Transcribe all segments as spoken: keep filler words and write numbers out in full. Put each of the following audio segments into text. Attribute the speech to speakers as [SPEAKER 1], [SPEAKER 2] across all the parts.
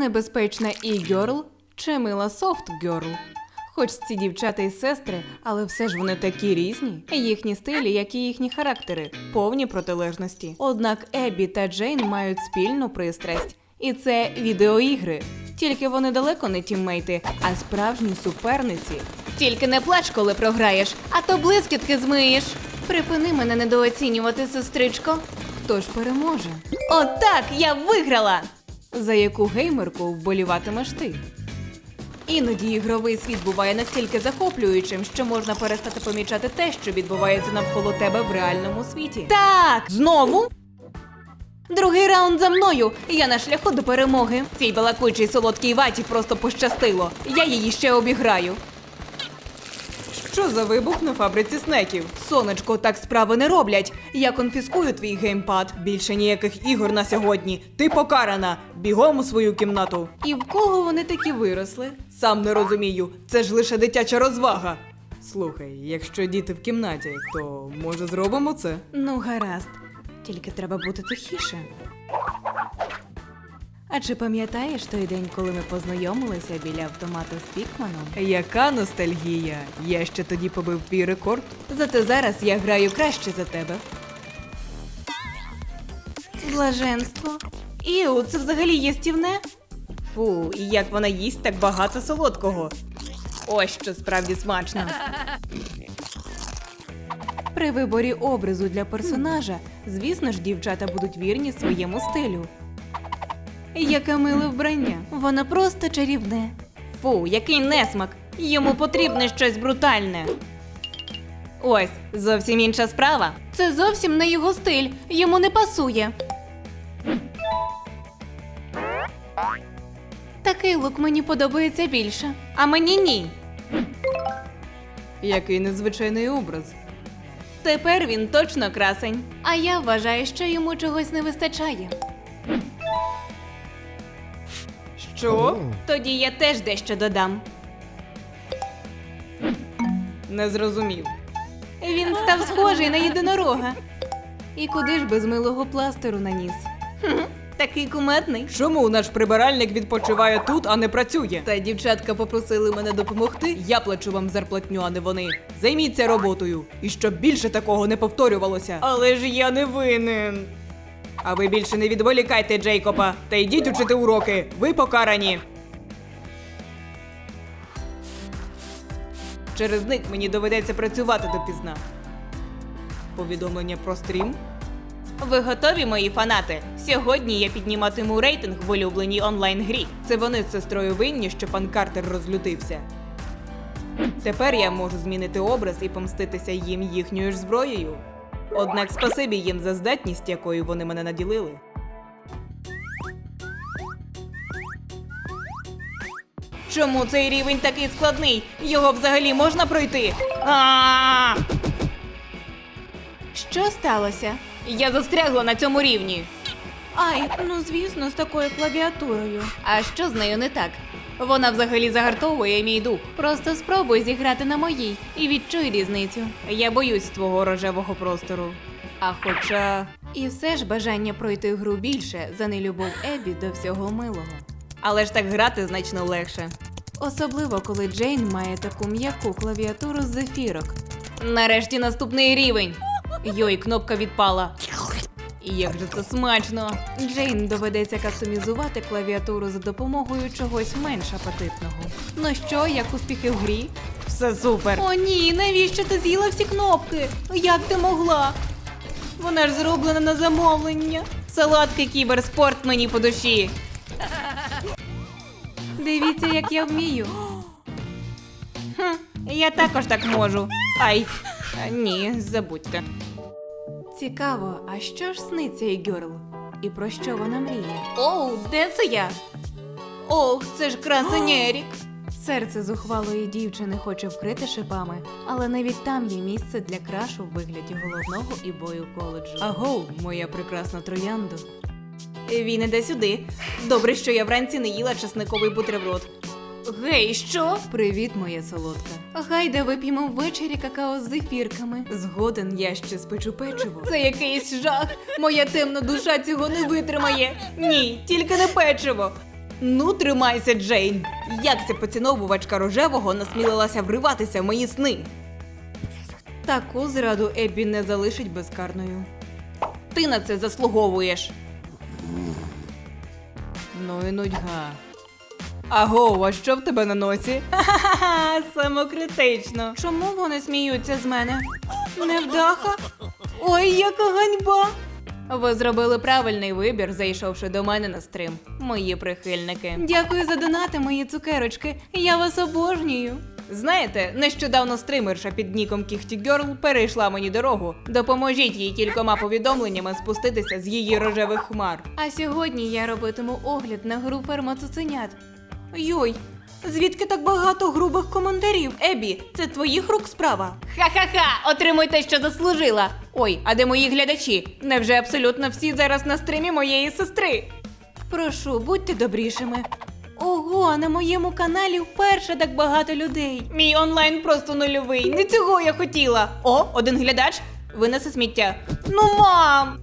[SPEAKER 1] небезпечна і-герл чи мила софт-герл? Хоч ці дівчата і сестри, але все ж вони такі різні. Їхні стилі, як і їхні характери, повні протилежності. Однак Еббі та Джейн мають спільну пристрасть. І це відеоігри. Тільки вони далеко не тіммейти, а справжні суперниці. Тільки не плач, коли програєш, а то блискітки змиєш. Припини мене недооцінювати, сестричко. Хто ж переможе? Отак, я виграла! За яку геймерку вболіватимеш ти? Іноді ігровий світ буває настільки захоплюючим, що можна перестати помічати те, що відбувається навколо тебе в реальному світі. Так! Знову? Другий раунд за мною, і я на шляху до перемоги. Цій балакучій солодкій ваті просто пощастило. Я її ще обіграю. Що за вибух на фабриці снеків? Сонечко, так справи не роблять. Я конфіскую твій геймпад. Більше ніяких ігор на сьогодні. Ти покарана. Бігом у свою кімнату. І в кого вони такі виросли? Сам не розумію. Це ж лише дитяча розвага. Слухай, якщо діти в кімнаті, то може зробимо це? Ну, гаразд. Тільки треба бути тихіше. А чи пам'ятаєш той день, коли ми познайомилися біля автомата з Пікманом? Яка ностальгія! Я ще тоді побив твій рекорд. Зате зараз я граю краще за тебе. Блаженство. Іу, це взагалі їстівне? Фу, і як вона їсть так багато солодкого. Ось що справді смачно. При виборі образу для персонажа, звісно ж, дівчата будуть вірні своєму стилю. Яке миле вбрання. Воно просто чарівне. Фу, який несмак. Йому потрібне щось брутальне. Ось, зовсім інша справа. Це зовсім не його стиль. Йому не пасує. Такий лук мені подобається більше. А мені ні. Який незвичайний образ. Тепер він точно красень. А я вважаю, що йому чогось не вистачає. Що? Тоді я теж дещо додам. Не зрозумів. Він став схожий на єдинорога. І куди ж без милого пластиру на ніс? Хм, такий кумедний. Чому наш прибиральник відпочиває тут, а не працює? Та дівчатка попросили мене допомогти. Я плачу вам зарплатню, а не вони. Займіться роботою. І щоб більше такого не повторювалося. Але ж я не винен. А ви більше не відволікайте Джейкоба та йдіть учити уроки. Ви покарані. Через них мені доведеться працювати допізна. Повідомлення про стрім? Ви готові, мої фанати? Сьогодні я підніматиму рейтинг в улюбленій онлайн-грі. Це вони з сестрою винні, що пан Картер розлютився. Тепер я можу змінити образ і помститися їм їхньою ж зброєю. Однак спасибі їм за здатність, якою вони мене наділили. Чому цей рівень такий складний? Його взагалі можна пройти? А-а-а! Що сталося? Я застрягла на цьому рівні. Ай, ну звісно, з такою клавіатурою. А що з нею не так? Вона взагалі загартовує мій дух. Просто спробуй зіграти на моїй і відчуй різницю. Я боюсь твого рожевого простору. А хоча... І все ж бажання пройти гру більше за нелюбов Еббі до всього милого. Але ж так грати значно легше. Особливо, коли Джейн має таку м'яку клавіатуру з зефірок. Нарешті наступний рівень. Йой, кнопка відпала. І як же це смачно! Джейн доведеться кастомізувати клавіатуру за допомогою чогось менш апетитного. Ну що, як успіхи в грі? Все супер! О ні, навіщо ти з'їла всі кнопки? Як ти могла? Вона ж зроблена на замовлення. Солодкий кіберспорт мені по душі. Дивіться, як я вмію. Хм, я також так можу. Ай, ні, забудьте. Цікаво, а що ж сниться і-герл? І про що вона мріє? Оу, де це я? Ох, це ж красень Ерік. Серце зухвалої дівчини хоче вкрити шипами, але навіть там є місце для крашу в вигляді головного і бою коледжу. Аго, моя прекрасна трояндо. Він іде сюди. Добре, що я вранці не їла часниковий бутерброд. Гей, що? Привіт, моя солодка. Гайда вип'ємо ввечері какао з зефірками. Згоден, я ще спечу печиво. Це якийсь жах. Моя темна душа цього не витримає. Ні, тільки не печиво. Ну, тримайся, Джейн. Як ця поціновувачка рожевого насмілилася вриватися в мої сни? Таку зраду Еббі не залишить безкарною. Ти на це заслуговуєш. Ну і нудьга. Аго, а що в тебе на носі? Ха-ха-ха, самокритично. Чому вони сміються з мене? Невдаха? Ой, яка ганьба! Ви зробили правильний вибір, зайшовши до мене на стрим, мої прихильники. Дякую за донати, мої цукерочки. Я вас обожнюю. Знаєте, нещодавно стримерша під ніком Кіхті Герл перейшла мені дорогу. Допоможіть їй кількома повідомленнями спуститися з її рожевих хмар. А сьогодні я робитиму огляд на гру «Ферма цуценят». Йой, звідки так багато грубих коментарів? Еббі, це твоїх рук справа? Ха-ха-ха, отримуй те, що заслужила. Ой, а де мої глядачі? Невже абсолютно всі зараз на стрімі моєї сестри? Прошу, будьте добрішими. Ого, на моєму каналі вперше так багато людей. Мій онлайн просто нульовий, не цього я хотіла. О, один глядач винесе сміття. Ну, мам!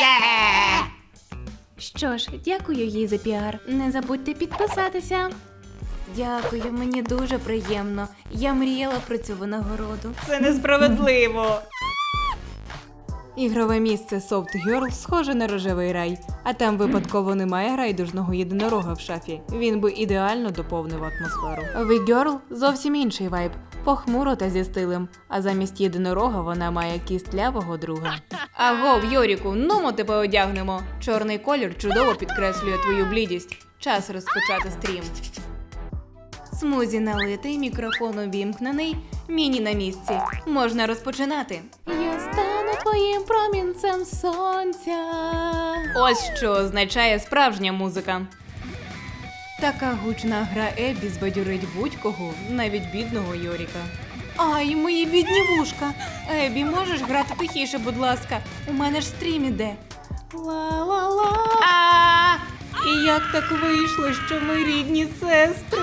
[SPEAKER 1] Що ж, дякую їй за піар. Не забудьте підписатися. Дякую, мені дуже приємно. Я мріяла про цю винагороду. Це несправедливо. Ігрове місце Soft Girl схоже на рожевий рай, а там випадково немає райдужного єдинорога в шафі. Він би ідеально доповнив атмосферу. В Girl зовсім інший вайб. Похмуро та зі стилем, а замість єдинорога вона має кістлявого друга. Агов, Йоріку, нумо тебе одягнемо. Чорний колір чудово підкреслює твою блідість. Час розпочати стрім. Смузі налитий, мікрофон увімкнений, міні на місці. Можна розпочинати. Я стану твоїм промінцем сонця. Ось що означає справжня музика. Така гучна гра Еббі збадьорить будь-кого, навіть бідного Йоріка. Ай, мої бідні вушка. Еббі, можеш грати тихіше, будь ласка? У мене ж стрім іде. Ла-ла-ла. А! І як так вийшло, що ми рідні сестри?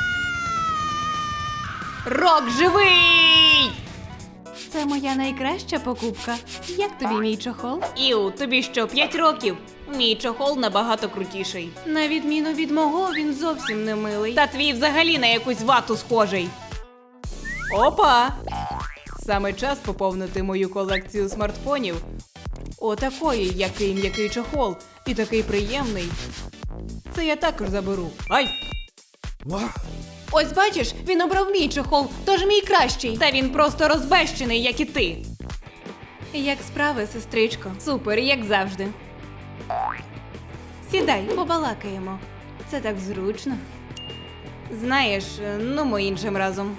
[SPEAKER 1] Рок живий! Це моя найкраща покупка. Як тобі мій чохол? Іу, тобі що, п'ять років? Мій чохол набагато крутіший. На відміну від мого, він зовсім не милий. Та твій взагалі на якусь вату схожий. Опа! Саме час поповнити мою колекцію смартфонів. Отакої, який м'який чохол. І такий приємний. Це я також заберу. Ай! Ось бачиш, він обрав мій чохол, тож мій кращий. Та він просто розбещений, як і ти. Як справи, сестричко? Супер, як завжди. Сідай, побалакаємо. Це так зручно. Знаєш, ну ми іншим разом.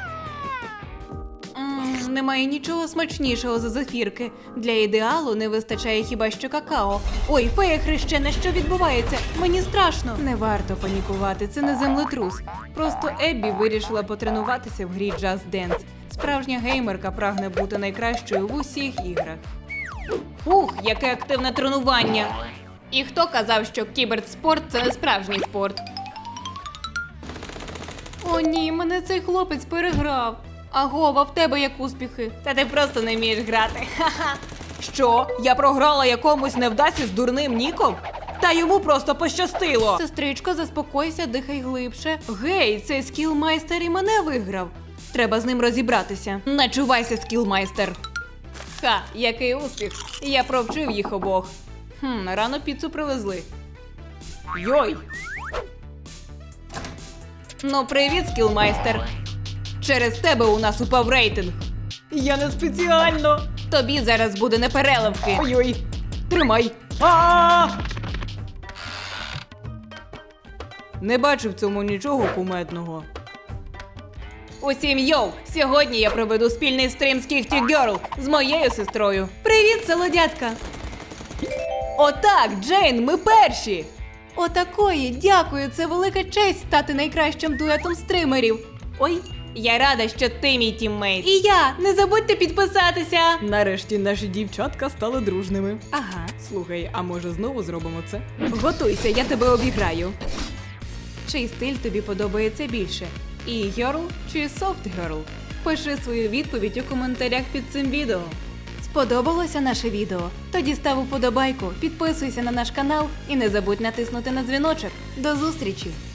[SPEAKER 1] М, Немає нічого смачнішого за зефірки. Для ідеалу не вистачає хіба що какао. Ой, фея хрещена, що відбувається? Мені страшно. Не варто панікувати, це не землетрус. Просто Еббі вирішила потренуватися в грі Just Dance. Справжня геймерка прагне бути найкращою в усіх іграх. Ух, яке активне тренування! І хто казав, що кіберспорт – це не справжній спорт? О ні, мене цей хлопець переграв. Агова, в тебе як успіхи? Та ти просто не вмієш грати. Ха-ха. Що? Я програла якомусь невдасі з дурним ніком? Та йому просто пощастило. Сестричко, заспокойся, дихай глибше. Гей, цей скілмайстер і мене виграв. Треба з ним розібратися. Начувайся, скілмайстер. Ха, який успіх. Я провчив їх обох. Хм, рано піцу привезли. Йой! Ну, привіт, скілмайстер. Через тебе у нас упав рейтинг. Я не спеціально. Тобі зараз буде непереливки. Ой-ой, тримай. А-а-а! Не бачу в цьому нічого кумедного. Усім йоу! Сьогодні я проведу спільний стрім з Кіхті Герл з моєю сестрою. Привіт, солодятка! Отак, Джейн, ми перші! Отакої, дякую, це велика честь стати найкращим дуетом стримерів. Ой, я рада, що ти мій тіммейт. І я, не забудьте підписатися. Нарешті наші дівчатка стали дружними. Ага. Слухай, а може знову зробимо це? Готуйся, я тебе обіграю. Чий стиль тобі подобається більше? E-Girl чи Soft Girl? Пиши свою відповідь у коментарях під цим відео. Сподобалося наше відео? Тоді став уподобайку, підписуйся на наш канал і не забудь натиснути на дзвіночок. До зустрічі!